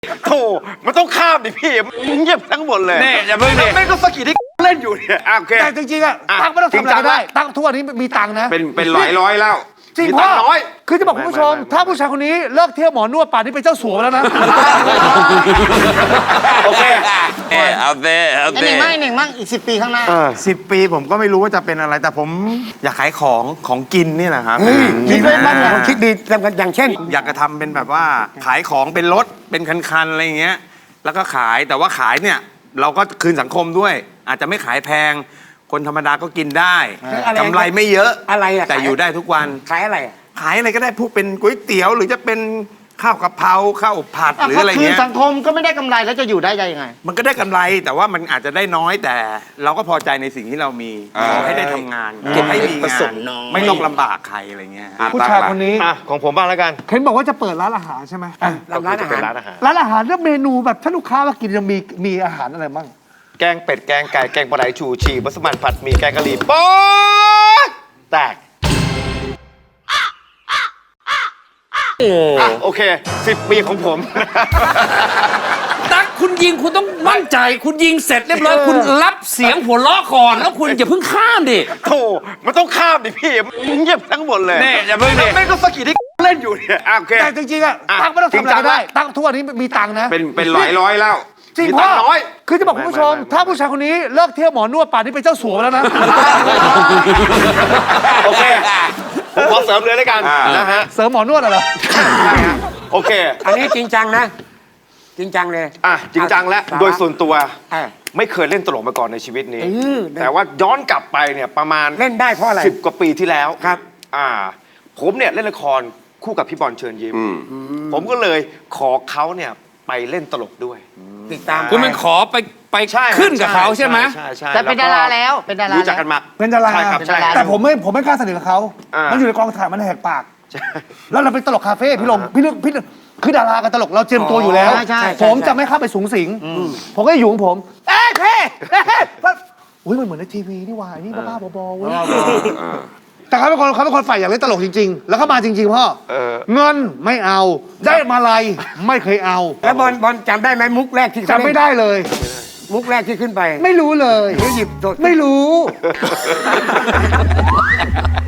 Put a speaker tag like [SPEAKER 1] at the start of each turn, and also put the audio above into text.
[SPEAKER 1] โธ่มันต้องข้ามดิพี่เงียบทั้งหมดเลย
[SPEAKER 2] นี่อย่าเพิ่งดิ
[SPEAKER 1] ไม่ก็สกิดที่เล่นอยู่เนี่ยโอเค
[SPEAKER 3] แต่จริงๆอะตั๊กไม่ต้องทำอะไรก็ได้ตั๊กทุกวันนี้มีตังค์นะ
[SPEAKER 2] เป็นร้อยแล้ว
[SPEAKER 3] จริง
[SPEAKER 1] มี
[SPEAKER 3] พ่
[SPEAKER 1] ตั
[SPEAKER 3] อง
[SPEAKER 1] ค์น้อย
[SPEAKER 3] คือจะบอกคุณผู้ชม ถ้าผู้ชายคนนี้เลิกเที่ยวหมอนวดป่านนี้เป็นเจ้าสัวแล้วนะ
[SPEAKER 1] โอเค
[SPEAKER 2] เอาเต้เอา
[SPEAKER 4] ไอ้ห
[SPEAKER 2] เต้
[SPEAKER 4] นึ่งไม่หนึ่งมั่งอีก10 ปีข้างหน้า
[SPEAKER 5] 10 ปีผมก็ไม่รู้ว่าจะเป็นอะไร แต่ผมอยากขายของกินนี่แหละครับ
[SPEAKER 4] คิดไว้บ้างเหรอคิดดีอย่างเช่น
[SPEAKER 5] อยากจะทำเป็นแบบว่าขายของเป็นรถเป็นคันๆอะไรอย่างเงี้ยแล้วก็ขายแต่ว่าขายเนี่ยเราก็คืนสังคมด้วย อาจจะไม่ขายแพง คนธรรมดาก็กินได้
[SPEAKER 4] อะไร
[SPEAKER 5] กำไรไม่เยอะ
[SPEAKER 4] อะไรอะ
[SPEAKER 5] แต่อยู่ได้ทุกวัน
[SPEAKER 4] ขายอะไรอะ
[SPEAKER 5] ขายอะไรก็ได้พวกเป็นก๋วยเตี๋ยวหรือจะเป็นข้าวกะเพราข้าวผัดหรืออะไร
[SPEAKER 4] คืน
[SPEAKER 5] เงี้ย
[SPEAKER 4] สังคมก็ไม่ได้กำไรแล้วจะอยู่ได้ยังไง
[SPEAKER 5] มันก็ได้กำไรแต่ว่ามันอาจจะได้น้อยแต่เราก็พอใจในสิ่งที่เรามีขอให้ได้ทำงานเก็บให้มี
[SPEAKER 4] ประ
[SPEAKER 5] งา
[SPEAKER 4] ส
[SPEAKER 5] น
[SPEAKER 4] งค์น้อย
[SPEAKER 5] ไม่ต้องลำบากใครอะไรเงี้ย
[SPEAKER 3] ผู้ชายคนนี้
[SPEAKER 1] ของผมบ้างแล้วกัน
[SPEAKER 3] เห็นบอกว่าจะเปิดร้านอาหารใช่ไหม
[SPEAKER 4] ร้านอา
[SPEAKER 1] เป็น
[SPEAKER 4] หาร
[SPEAKER 1] ร้านอาหาร
[SPEAKER 3] ร้านอาหารแล้วเมนูแบบถ้าลูกค้ามากินจะมีอาหารอะไรบ้าง
[SPEAKER 1] แกงเป็ดแกงไก่แกงปลาไหลชูชีมัสมั่นผัดหมี่แกงกะหรี่โป๊ะแตกอ่ะโอเค10 ปีของผม
[SPEAKER 2] ตั๊กคุณยิงคุณต้องมั่นใจ คุณยิงเสร็จเรียบร้อยคุณรับเสียงหัวเราะก่อน แล้วคุณอย่าเพิ่งข้ามดิ
[SPEAKER 1] โธ่มันต้องข้ามดิพี่เงียบทั้งหมดเลย
[SPEAKER 2] นี่อย่าเพิ่งดิ
[SPEAKER 1] ไม่ก็สกิดที่เล่นอยู่เนี่ยโอเค
[SPEAKER 3] แต่จริงๆอะตั๊กไม่ต้องทำอะไรก็ได้ตั๊กทุกวันนี้มีตังค์นะ
[SPEAKER 2] เป็นร้อยแล้ว
[SPEAKER 3] จริง
[SPEAKER 1] มี
[SPEAKER 3] พ่
[SPEAKER 1] ตั
[SPEAKER 3] อง
[SPEAKER 1] ค์น้อย
[SPEAKER 3] คือจะบอกคุณผู้ชม ถ้าผู้ชายคนนี้เลิกเที่ยวหมอนวดป่านนี้เป็นเจ้าสัวแล้วนะ
[SPEAKER 1] โอเคผมขอเสริมเลยแล้วกันนะฮะ
[SPEAKER 3] เสริมหมอนวดเหรอ
[SPEAKER 1] โอเค
[SPEAKER 4] อันนี้จริงจังนะ จริงจังเลย
[SPEAKER 1] จริงจังแล้ว
[SPEAKER 4] สาระ
[SPEAKER 1] โดยส่วนตัว
[SPEAKER 4] เออ
[SPEAKER 1] ไม่เคยเล่นตลกมาก่อนในชีวิตนี้
[SPEAKER 4] เออ
[SPEAKER 1] แต่ว่าย้อนกลับไปเนี่ยประมาณ
[SPEAKER 4] เล่นได้เพราะอะไร
[SPEAKER 1] 10 กว่าปีที่แล้ว
[SPEAKER 4] ครับ
[SPEAKER 1] ผมเนี่ยเล่นละครคู่กับพี่บอลเชิญยิ้มผมก็เลยขอเขาเนี่ยไปเล่นตลกด้วย
[SPEAKER 4] ติดตาม
[SPEAKER 2] คุณมันขอไป
[SPEAKER 1] ใช่
[SPEAKER 2] ขึ้นกับเขาใช่ไหม
[SPEAKER 1] ใช่
[SPEAKER 4] แต่เป็นดาราแล้วเป็นดารา
[SPEAKER 1] รู้จักกันมา
[SPEAKER 3] เป็นดารา
[SPEAKER 1] ใช่ครับ
[SPEAKER 4] เป็น
[SPEAKER 1] ใช่
[SPEAKER 4] ดารา
[SPEAKER 3] แต่ผมไม่กล้าสนิทกับเขา
[SPEAKER 1] อ่ามั
[SPEAKER 3] มันอยู่ในกองถ่ายมันแหกปาก
[SPEAKER 1] ใช่
[SPEAKER 3] แล้วเราเป็นตลกคาเฟ่พี่ลมพี่นึกคือดารากับตลกเราเตรียมตัวอยู่แล้ว
[SPEAKER 4] ใช่
[SPEAKER 3] ผมจะไม่เข้าไปสูงสิงผมก็อยู่ของผมเอ้ยเพ่อุ้ยมันเหมือนในทีวีนี่หว่านี่บ้าๆบอๆเว้ยแต่เขาเป็นคนฝ่ายอยากเล่นตลกจริงๆ แล้วเขามาจริงๆพ่อเงินไม่เอาได้มาลัยไม่เคยเอา
[SPEAKER 4] แล้วบอลจำได้ไหมมุกแรกที่เขา
[SPEAKER 3] จำไม่ได้เลย
[SPEAKER 4] มุกแรกที่ขึ้นไป
[SPEAKER 3] ไม่รู้เลย
[SPEAKER 4] หรือหยิบสด
[SPEAKER 3] ไม่รู้